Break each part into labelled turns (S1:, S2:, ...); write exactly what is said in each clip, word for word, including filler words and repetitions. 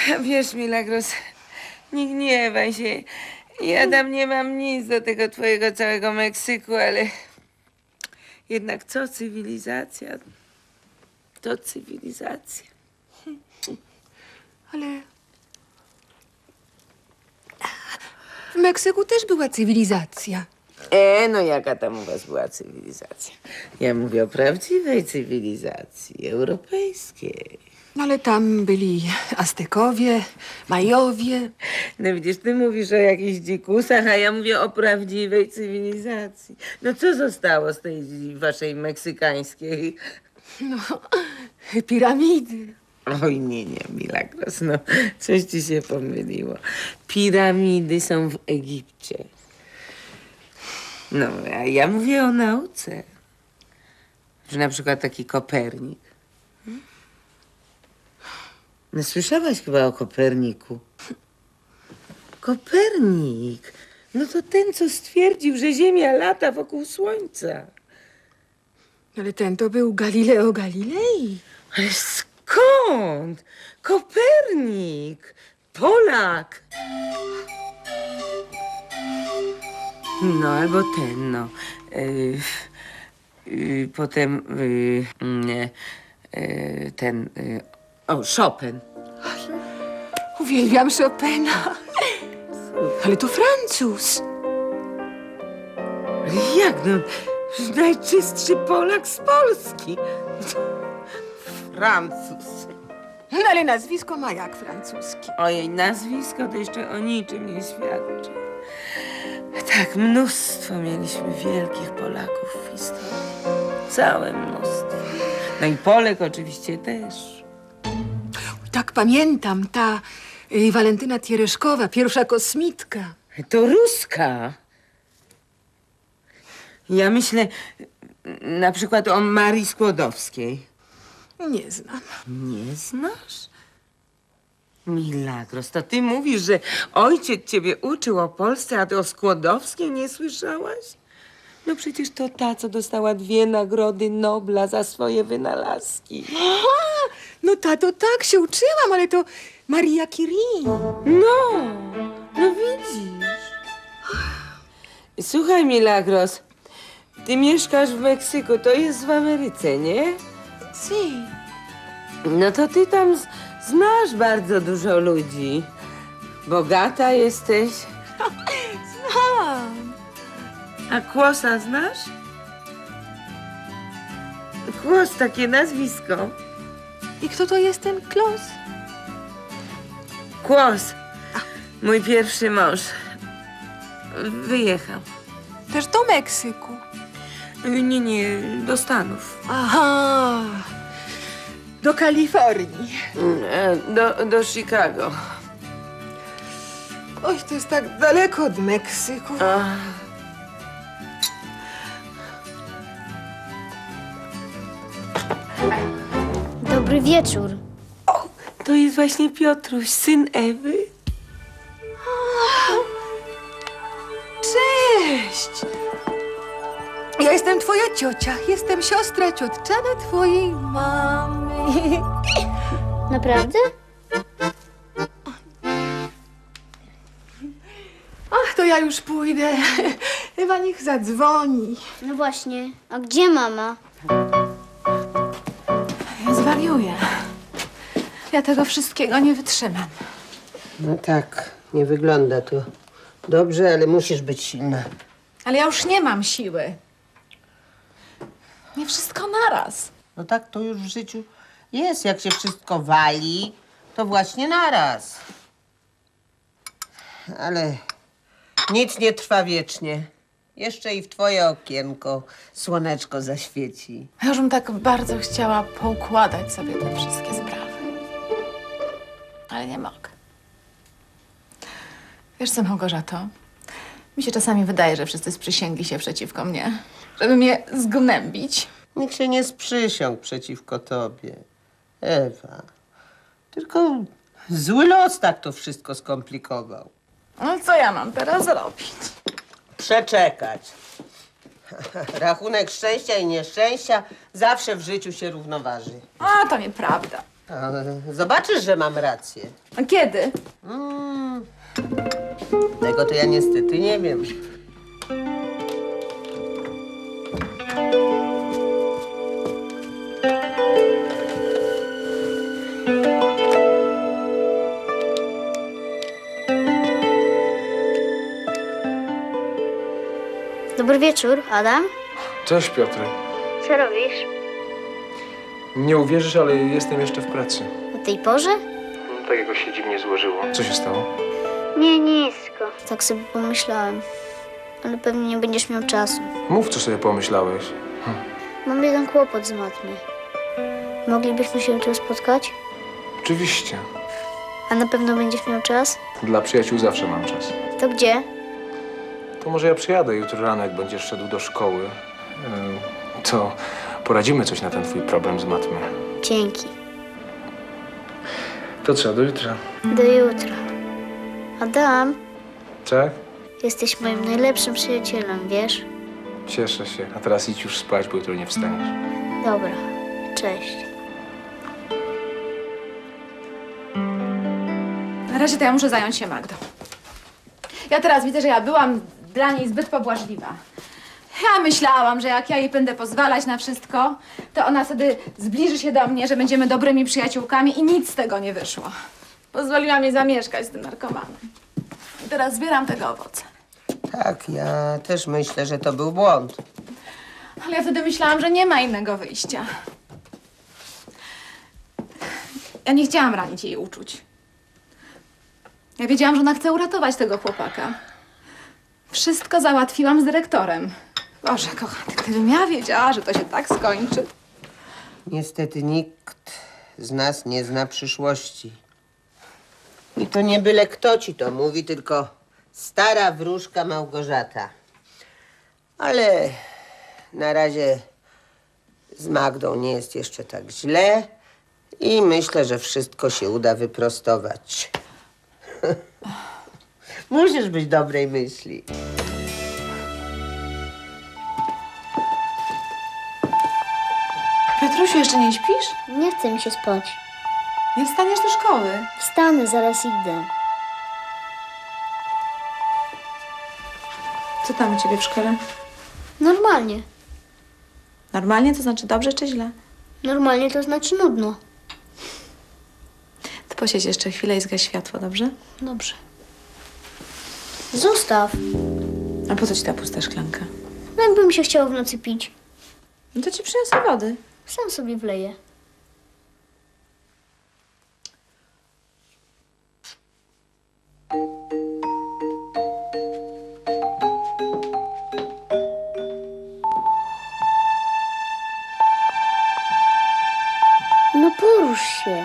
S1: Wiesz, Milagros, nie gniewaj się. Ja tam nie mam nic do tego twojego całego Meksyku, ale jednak co cywilizacja? To cywilizacja.
S2: Ale w Meksyku też była cywilizacja.
S1: E, no jaka tam u was była cywilizacja? Ja mówię o prawdziwej cywilizacji, europejskiej.
S2: No ale tam byli Aztekowie, Majowie.
S1: No widzisz, ty mówisz o jakichś dzikusach, a ja mówię o prawdziwej cywilizacji. No co zostało z tej waszej meksykańskiej?
S2: No, piramidy.
S1: Oj, nie, nie, Milagros, no coś ci się pomyliło. Piramidy są w Egipcie. No, a ja mówię o nauce. Że na przykład taki Kopernik. No, słyszałaś chyba o Koperniku? Kopernik! No to ten, co stwierdził, że Ziemia lata wokół Słońca.
S2: Ale ten to był Galileo Galilei.
S1: Ale skąd? Kopernik! Polak! No, albo ten, no. Yy, yy, potem yy, nie, yy, ten... Yy, o, Chopin.
S2: Uwielbiam Chopina. Ale to Francuz.
S1: Ale jak, no? Najczystszy Polak z Polski. Francuz.
S2: No ale nazwisko ma jak francuskie.
S1: Ojej, nazwisko to jeszcze o niczym nie świadczy. Tak, mnóstwo mieliśmy wielkich Polaków w historii. Całe mnóstwo. No i Polek oczywiście też.
S2: Tak pamiętam, ta y, Walentyna Tiereszkowa, pierwsza kosmitka.
S1: To Ruska. Ja myślę na przykład o Marii Skłodowskiej.
S2: Nie znam.
S1: Nie znasz? Milagros, to ty mówisz, że ojciec ciebie uczył o Polsce, a ty o Skłodowskiej nie słyszałaś? No przecież to ta, co dostała dwie nagrody Nobla za swoje wynalazki.
S2: Aha, no ta to tak się uczyłam, ale to Maria Curie.
S1: No, no widzisz. Słuchaj, Milagros, ty mieszkasz w Meksyku, to jest w Ameryce, nie?
S2: Si.
S1: No to ty tam z- znasz bardzo dużo ludzi. Bogata jesteś.
S2: Znam.
S1: A Kłosa znasz? Kłos, takie nazwisko.
S2: I kto to jest ten Klos?
S1: Kłos, mój pierwszy mąż. Wyjechał.
S2: Też do Meksyku.
S1: Nie, nie, do Stanów.
S2: Aha. Do Kalifornii.
S1: E, Do, do Chicago.
S2: Oj, to jest tak daleko od Meksyku.
S1: A,
S3: Dobry wieczór.
S1: o, to jest właśnie Piotruś, syn Ewy.
S2: Cześć! Ja jestem twoja ciocia. Jestem siostra ciotczana twojej mamy.
S3: Naprawdę?
S2: Ach, to ja już pójdę. Ewa niech zadzwoni.
S3: No właśnie. A gdzie mama?
S2: Ja zwariuję. Ja tego wszystkiego nie wytrzymam.
S4: No tak, nie wygląda to dobrze, ale musisz być silna.
S5: Ale ja już nie mam siły. Nie wszystko naraz.
S4: No tak to już w życiu jest. Jak się wszystko wali, to właśnie naraz. Ale nic nie trwa wiecznie. Jeszcze i w twoje okienko słoneczko zaświeci.
S5: Ja już bym tak bardzo chciała poukładać sobie te wszystkie sprawy. Ale nie mogę. Wiesz co, Małgorzato? Mi się czasami wydaje, że wszyscy sprzysięgli się przeciwko mnie, żeby mnie zgnębić.
S4: Nikt się nie sprzysiągł przeciwko tobie, Ewa. Tylko zły los tak to wszystko skomplikował.
S5: No co ja mam teraz robić?
S4: Przeczekać. Rachunek szczęścia i nieszczęścia zawsze w życiu się równoważy.
S5: A, to nieprawda.
S4: A, zobaczysz, że mam rację.
S5: A kiedy?
S4: Mm, tego to ja niestety nie wiem.
S3: Dobry wieczór, Adam.
S6: Cześć, Piotr.
S3: Co robisz?
S6: Nie uwierzysz, ale jestem jeszcze w pracy.
S3: O tej porze?
S6: Tak jakoś się dziwnie złożyło. Co się stało?
S3: Nie, nisko. Tak sobie pomyślałem. Ale pewnie nie będziesz miał czasu.
S6: Mów, co sobie pomyślałeś.
S3: Mam jeden kłopot z matmy. Moglibyśmy się jutro spotkać?
S6: Oczywiście.
S3: A na pewno będziesz miał czas?
S6: Dla przyjaciół zawsze mam czas.
S3: To gdzie?
S6: To może ja przyjadę jutro rano, jak będziesz szedł do szkoły. Yy, To poradzimy coś na ten twój problem z matmy.
S3: Dzięki.
S6: To co, do jutra?
S3: Do jutra. Adam,
S6: Tak?
S3: jesteś moim najlepszym przyjacielem, wiesz?
S6: Cieszę się. A teraz idź już spać, bo jutro nie wstaniesz.
S3: Dobra. Cześć.
S5: Na razie to ja muszę zająć się Magdą. Ja teraz widzę, że ja byłam dla niej zbyt pobłażliwa. Ja myślałam, że jak ja jej będę pozwalać na wszystko, to ona wtedy zbliży się do mnie, że będziemy dobrymi przyjaciółkami i nic z tego nie wyszło. Pozwoliła mi zamieszkać z tym narkomanem. I teraz zbieram tego owoce.
S4: Tak, ja też myślę, że to był błąd.
S5: Ale ja wtedy myślałam, że nie ma innego wyjścia. Ja nie chciałam ranić jej uczuć. Ja wiedziałam, że ona chce uratować tego chłopaka. Wszystko załatwiłam z dyrektorem. Boże, kochany, gdybym ja wiedziała, że to się tak skończy.
S4: Niestety nikt z nas nie zna przyszłości. I to nie byle kto ci to mówi, tylko stara wróżka Małgorzata. Ale na razie z Magdą nie jest jeszcze tak źle i myślę, że wszystko się uda wyprostować. Musisz być dobrej myśli.
S5: Piotrusiu, jeszcze nie śpisz?
S3: Nie chce mi się spać.
S5: Nie wstaniesz do szkoły.
S3: Wstanę, zaraz idę.
S5: Co tam u ciebie w szkole?
S3: Normalnie.
S5: Normalnie, to znaczy dobrze czy źle?
S3: Normalnie to znaczy nudno.
S5: Ty posiedź jeszcze chwilę i zgaś światło, dobrze?
S3: Dobrze. Zostaw.
S5: A po co ci ta pusta szklanka?
S3: No jakby mi się chciało w nocy pić.
S5: No to ci przyniosę wody.
S3: Sam sobie wleję. No porusz się.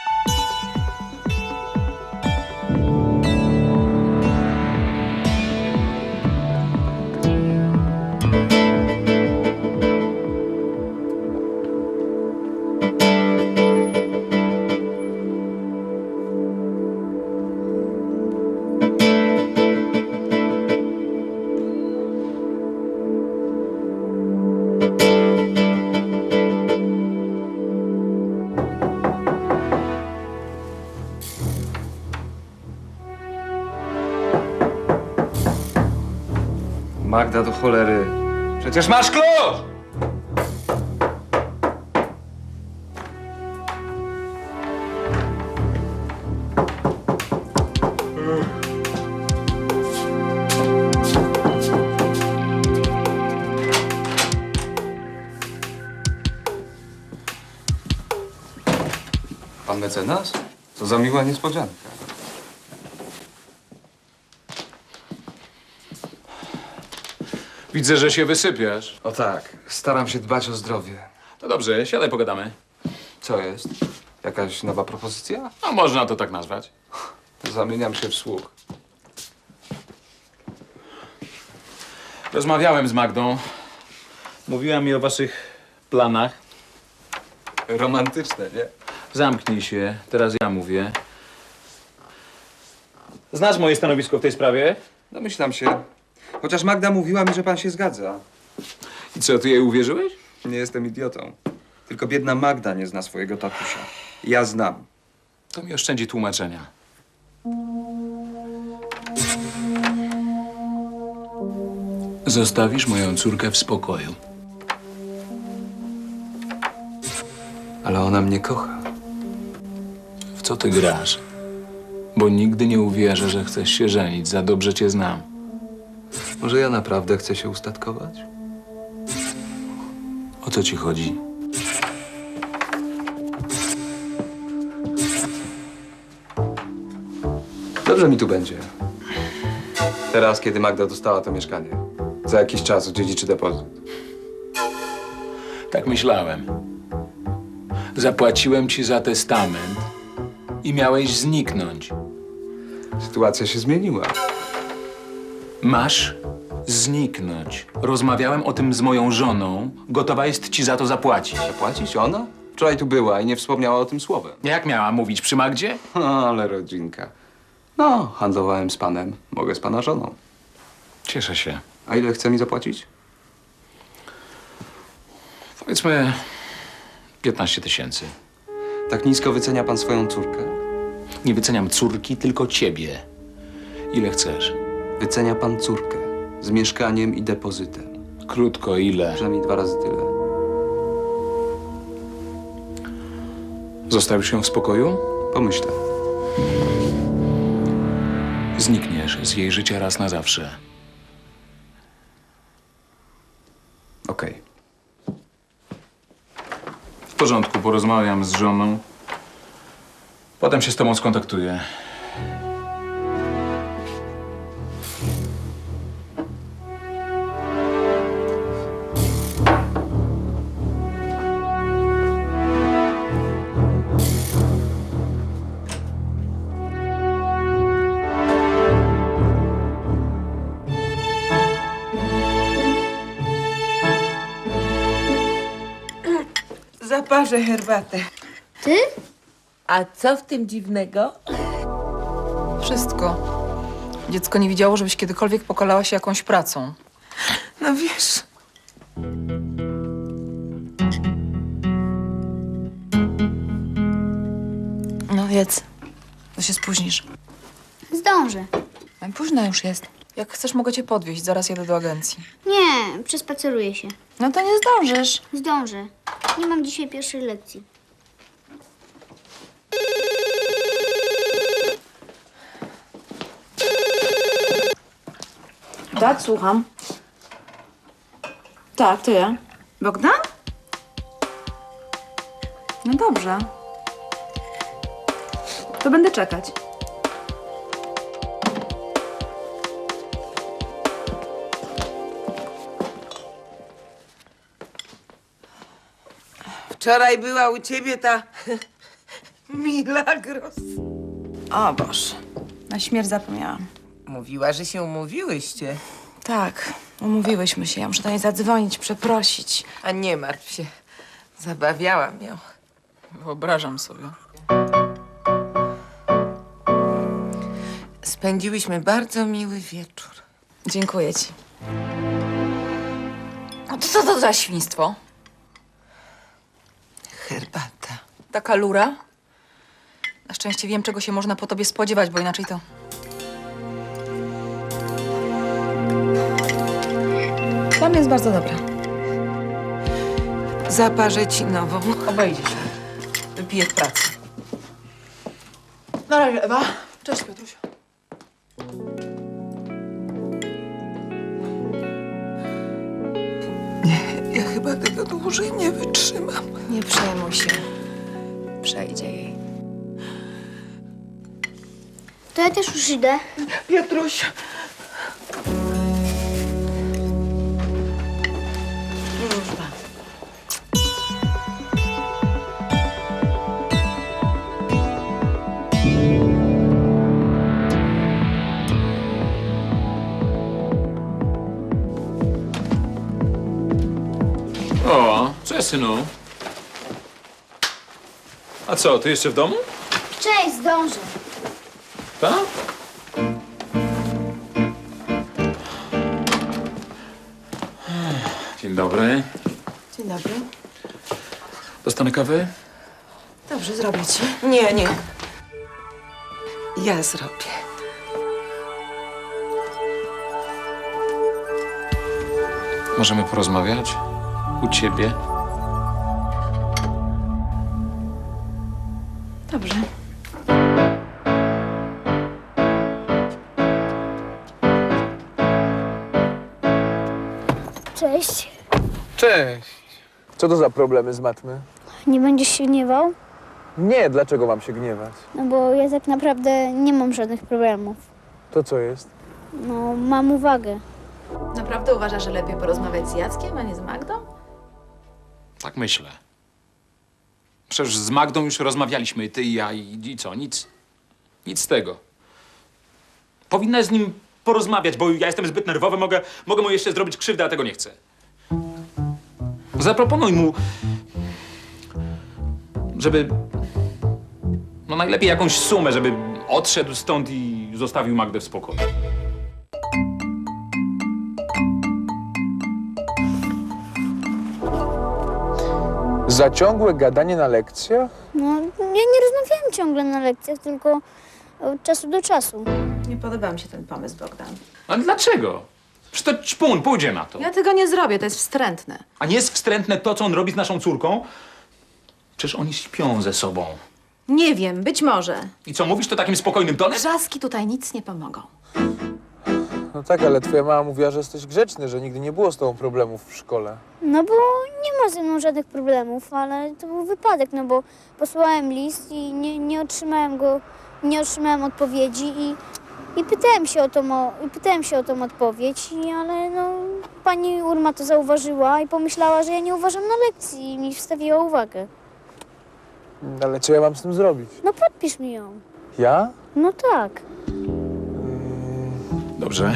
S6: Magda, do cholery. Przecież masz klucz!
S7: Pan mecenas? Co za miła niespodzianka.
S8: Widzę, że się wysypiasz.
S7: O tak, staram się dbać o zdrowie.
S8: To dobrze, siadaj, pogadamy.
S7: Co jest? Jakaś nowa propozycja?
S8: A można to tak nazwać.
S7: Zamieniam się w słuch.
S8: Rozmawiałem z Magdą. Mówiła mi o waszych planach.
S7: Romantyczne, nie?
S8: Zamknij się, teraz ja mówię. Znasz moje stanowisko w tej sprawie?
S7: Domyślam się. Chociaż Magda mówiła mi, że pan się zgadza.
S8: I co, ty jej uwierzyłeś?
S7: Nie jestem idiotą. Tylko biedna Magda nie zna swojego tatusia. Ja znam.
S8: To mi oszczędzi tłumaczenia. Zostawisz moją córkę w spokoju.
S6: Ale ona mnie kocha.
S8: W co ty grasz? Bo nigdy nie uwierzę, że chcesz się żenić. Za dobrze cię znam.
S6: Może ja naprawdę chcę się ustatkować?
S8: O co ci chodzi?
S6: Dobrze mi tu będzie. Teraz, kiedy Magda dostała to mieszkanie. Za jakiś czas odziedziczy depozyt.
S8: Tak myślałem. Zapłaciłem ci za testament i miałeś zniknąć.
S6: Sytuacja się zmieniła.
S8: Masz zniknąć. Rozmawiałem o tym z moją żoną. Gotowa jest ci za to zapłacić.
S6: Zapłacić ona? Wczoraj tu była i nie wspomniała o tym słowem.
S8: Jak miała mówić przy Magdzie?
S6: Ale rodzinka. No, handlowałem z panem. Mogę z pana żoną.
S8: Cieszę się.
S6: A ile chce mi zapłacić?
S8: Powiedzmy piętnaście tysięcy.
S6: Tak nisko wycenia pan swoją córkę?
S8: Nie wyceniam córki, tylko ciebie. Ile chcesz?
S6: Wycenia pan córkę. Z mieszkaniem i depozytem.
S8: Krótko, ile?
S6: Przynajmniej dwa razy tyle.
S8: Zostawisz ją w spokoju?
S6: Pomyślę.
S8: Znikniesz z jej życia raz na zawsze.
S6: Okej.
S8: W porządku, porozmawiam z żoną. Potem się z tobą skontaktuję.
S1: Zaparzę herbatę.
S3: Ty?
S1: A co w tym dziwnego?
S2: Wszystko. Dziecko nie widziało, żebyś kiedykolwiek pokalała się jakąś pracą.
S1: No wiesz,
S2: No jedz, to się spóźnisz.
S3: Zdążę.
S2: Ale późno już jest. Jak chcesz, mogę cię podwieźć. Zaraz jedę do agencji.
S3: Nie, przespaceruję się.
S2: No to nie zdążysz.
S3: Zdążę. Nie mam dzisiaj pierwszej lekcji.
S5: Tak, słucham. Tak, to ja. Bogdan? No dobrze. To będę czekać.
S1: wczoraj była u ciebie ta Milagros.
S5: O Boże, na śmierć zapomniałam.
S1: Mówiła, że się umówiłyście.
S5: Tak, umówiłyśmy się. Ja muszę do niej zadzwonić, przeprosić.
S1: A nie martw się, zabawiałam ją.
S2: Wyobrażam sobie.
S1: Spędziłyśmy bardzo miły wieczór.
S5: Dziękuję ci. No to co to za świństwo?
S1: Herbata.
S2: Taka lura? Na szczęście wiem, czego się można po tobie spodziewać, bo inaczej to... Dla mnie jest bardzo dobra.
S1: Zaparzę ci nową.
S2: Obejdzie się. Wypiję w pracy. Na razie, Ewa. Cześć, Piotrusiu.
S1: Ja chyba tego dłużej nie wytrzymam.
S5: Nie przejmuj się. Przejdzie jej.
S3: To ja też już idę.
S1: Piotruś.
S8: O, cześć, synu. A co, ty jeszcze w domu?
S3: Cześć, zdążę.
S8: Tak? Dzień dobry.
S5: Dzień dobry.
S8: Dostanę kawy?
S5: Dobrze. Dobrze, zrobię ci.
S1: Nie, nie. Ja zrobię.
S8: Możemy porozmawiać? U ciebie?
S5: Dobrze.
S3: Cześć.
S9: Cześć. Co to za problemy z matmy?
S3: Nie będziesz się gniewał?
S9: Nie, dlaczego mam się gniewać?
S3: No bo ja tak naprawdę nie mam żadnych problemów.
S9: To co jest?
S3: No, mam uwagę.
S5: Naprawdę uważasz, że lepiej porozmawiać z Jackiem, a nie z Magdą?
S8: Tak myślę. Przecież z Magdą już rozmawialiśmy, ty i ja, i, i co? Nic. Nic z tego. Powinnaś z nim porozmawiać, bo ja jestem zbyt nerwowy, mogę, mogę mu jeszcze zrobić krzywdę, a tego nie chcę. Zaproponuj mu, żeby... No najlepiej jakąś sumę, żeby odszedł stąd i zostawił Magdę w spokoju.
S9: Za ciągłe gadanie na lekcjach?
S3: No, ja nie rozmawiałam ciągle na lekcjach, tylko od czasu do czasu.
S5: Nie podoba mi się ten pomysł, Bogdan.
S8: Ale dlaczego? Przecież to ćpun, pójdzie na to.
S5: Ja tego nie zrobię, to jest wstrętne.
S8: A nie jest wstrętne to, co on robi z naszą córką? Przecież oni śpią ze sobą.
S5: Nie wiem, być może.
S8: I co, mówisz to takim spokojnym tonem?
S5: Wrzaski tutaj nic nie pomogą.
S9: No tak, ale twoja mama mówiła, że jesteś grzeczny, że nigdy nie było z tobą problemów w szkole.
S3: No bo nie ma ze mną żadnych problemów, ale to był wypadek, no bo posłałem list i nie, nie otrzymałem go, nie otrzymałem odpowiedzi i, i pytałem się o tą, o, i pytałem się o tą odpowiedź, i, ale no pani Urma to zauważyła i pomyślała, że ja nie uważam na lekcji i mi wstawiła uwagę.
S9: Ale co ja mam z tym zrobić?
S3: No podpisz mi ją.
S9: Ja?
S3: No tak.
S8: Dobrze.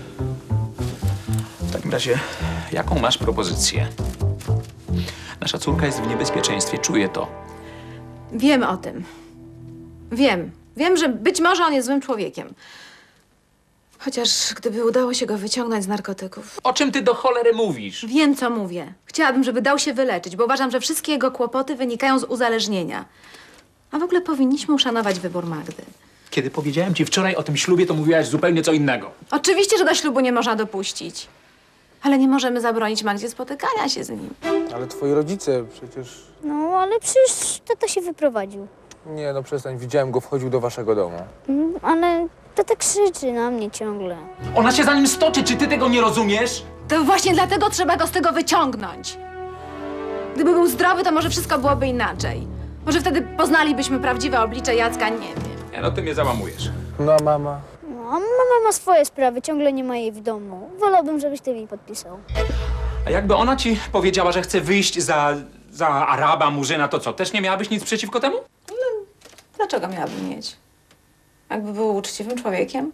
S8: W takim razie, jaką masz propozycję? Nasza córka jest w niebezpieczeństwie, czuję to.
S5: Wiem o tym. Wiem. Wiem, że być może on jest złym człowiekiem. Chociaż gdyby udało się go wyciągnąć z narkotyków.
S8: O czym ty do cholery mówisz?
S5: Wiem, co mówię. Chciałabym, żeby dał się wyleczyć, bo uważam, że wszystkie jego kłopoty wynikają z uzależnienia. A w ogóle powinniśmy uszanować wybór Magdy.
S8: Kiedy powiedziałem ci wczoraj o tym ślubie, to mówiłaś zupełnie co innego.
S5: Oczywiście, że do ślubu nie można dopuścić. Ale nie możemy zabronić Magdzie spotykania się z nim.
S9: Ale twoi rodzice przecież...
S3: No ale przecież tata się wyprowadził.
S9: Nie, no przestań, widziałem go, wchodził do waszego domu.
S3: Mm, Ale tata krzyczy na mnie ciągle.
S8: Ona się za nim stoczy, czy ty tego nie rozumiesz?
S5: To właśnie dlatego trzeba go z tego wyciągnąć. Gdyby był zdrowy, to może wszystko byłoby inaczej. Może wtedy poznalibyśmy prawdziwe oblicze Jacka, nie wiem.
S8: Nie, no ty mnie załamujesz.
S9: No a mama?
S3: No, a mama ma swoje sprawy, ciągle nie ma jej w domu. Wolałbym, żebyś ty mi podpisał.
S8: A jakby ona ci powiedziała, że chce wyjść za, za Araba, Murzyna, to co? Też nie miałabyś nic przeciwko temu?
S5: Dlaczego miałabym mieć? Jakby był uczciwym człowiekiem?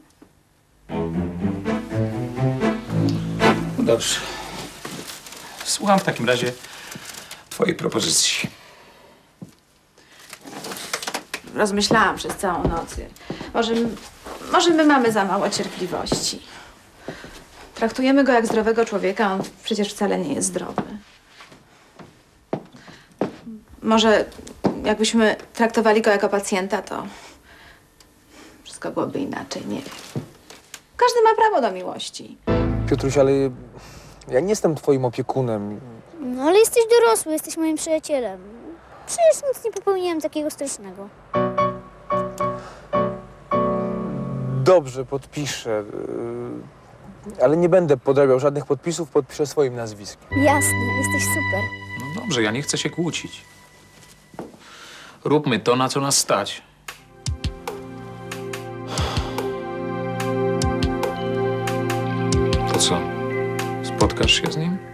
S8: No dobrze. Słucham w takim razie twojej propozycji.
S5: Rozmyślałam przez całą noc. Może, może my mamy za mało cierpliwości. Traktujemy go jak zdrowego człowieka, on przecież wcale nie jest zdrowy. Może jakbyśmy traktowali go jako pacjenta, to wszystko byłoby inaczej, nie wiem. Każdy ma prawo do miłości.
S9: Piotruś, ale ja nie jestem twoim opiekunem.
S3: No ale jesteś dorosły, jesteś moim przyjacielem. Przecież nic nie popełniłem takiego strasznego.
S9: Dobrze, podpiszę. yy, Ale nie będę podrabiał żadnych podpisów, podpiszę swoim nazwiskiem.
S3: Jasne, jesteś super.
S8: No dobrze, ja nie chcę się kłócić. Róbmy to, na co nas stać. To co? Spotkasz się z nim?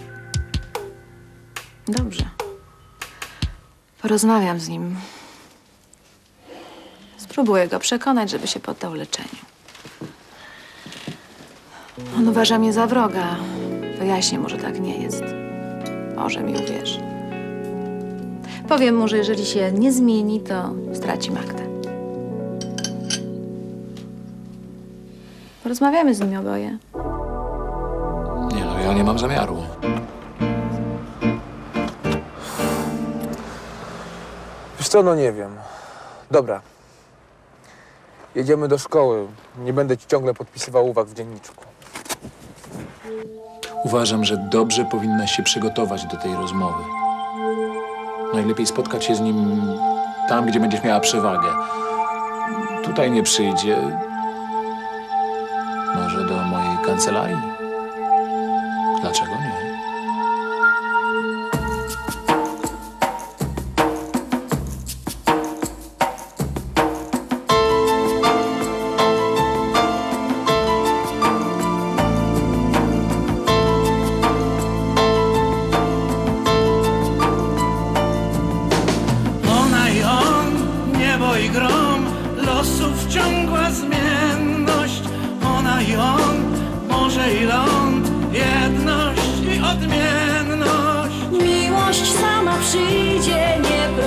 S5: Dobrze. Porozmawiam z nim. Spróbuję go przekonać, żeby się poddał leczeniu. On uważa mnie za wroga. Wyjaśnię mu, że tak nie jest. Może mi uwierzy. Powiem mu, że jeżeli się nie zmieni, to straci Magdę. Porozmawiamy z nim oboje.
S8: Nie no, ja nie mam zamiaru.
S9: Wiesz Wiesz co, no nie wiem. Dobra. Jedziemy do szkoły. Nie będę ci ciągle podpisywał uwag w dzienniczku.
S8: Uważam, że dobrze powinnaś się przygotować do tej rozmowy. Najlepiej spotkać się z nim tam, gdzie będziesz miała przewagę. Tutaj nie przyjdzie. Może do mojej kancelarii? Dlaczego nie?
S10: Ona i on, niebo i grom, losów ciągła zmienność. Ona i on, morze i ląd, jedność i odmienność.
S11: Miłość sama przyjdzie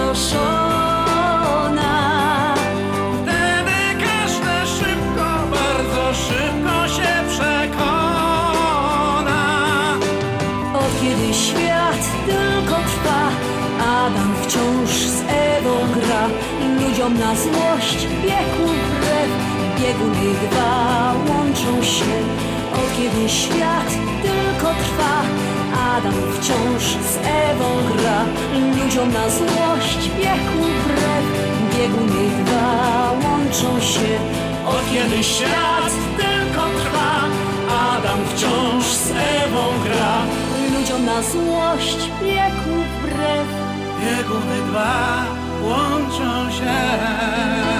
S11: nieproszona.
S10: Wtedy każde szybko, bardzo szybko się przekona.
S11: Od kiedy świat tylko trwa, Adam wciąż z Ewą gra. Ludziom na złość biegł wbrew, bieguny dwa łączą się. Od kiedy świat tylko trwa, Adam wciąż z Ewą gra. Ludziom na złość biegł wbrew, bieguny dwa łączą się.
S10: Od kiedy świat tylko trwa, Adam wciąż z Ewą gra.
S11: Ludziom na złość biegł wbrew.
S10: Bieguny dwa łączą się.